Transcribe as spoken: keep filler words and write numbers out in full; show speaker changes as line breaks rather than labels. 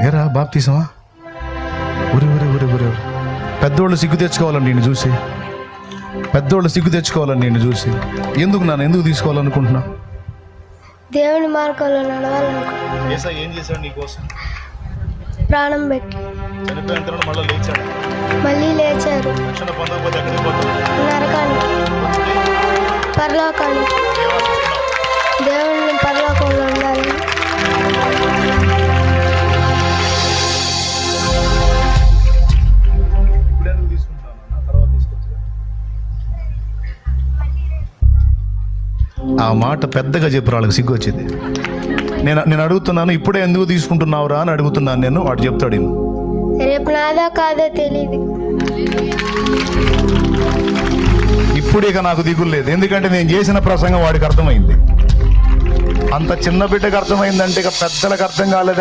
ఏరా బాప్తీసమా? ఊరి ఊరి ఊరి ఊరి పెద్దోళ్ళు సిగ్గు తెచ్చుకోవాలని నేను చూసి పెద్దోళ్ళు సిగ్గు తెచ్చుకోవాలని నేను చూసి ఎందుకు నన్ను ఎందుకు తీసుకోవాలనుకుంటున్నా?
దేవుని మార్గంలో నడవాలనుకుంటున్నాను.
యేసయ్య ఏం చేశాడు నీకోసం?
ప్రాణం పెట్టి
చనిపోయిన తర్వాత మళ్ళీ లేచాడు.
మళ్ళీ లేచారు.
రక్షణ పొందకపోతే ఎక్కడికి పోతావు?
నరకానికి, పరలోకానికి. దేవుని పరలోకంలో ఉండాలి.
ఆ మాట పెద్దగా చెప్పు, వాళ్ళకి సిగ్గు వచ్చింది. నేను నేను అడుగుతున్నాను, ఇప్పుడే ఎందుకు తీసుకుంటున్నావురా అని అడుగుతున్నాను నేను. వాడు చెప్తాడు,
రేపు నాదో కాదో తెలియదు.
ఇప్పుడు ఇక నాకు దిగులు లేదు, ఎందుకంటే నేను చేసిన ప్రసంగం వాడికి అర్థమైంది. అంత చిన్న బిడ్డకు అర్థమైందంటే ఇక పెద్దలకు అర్థం కాలేదు.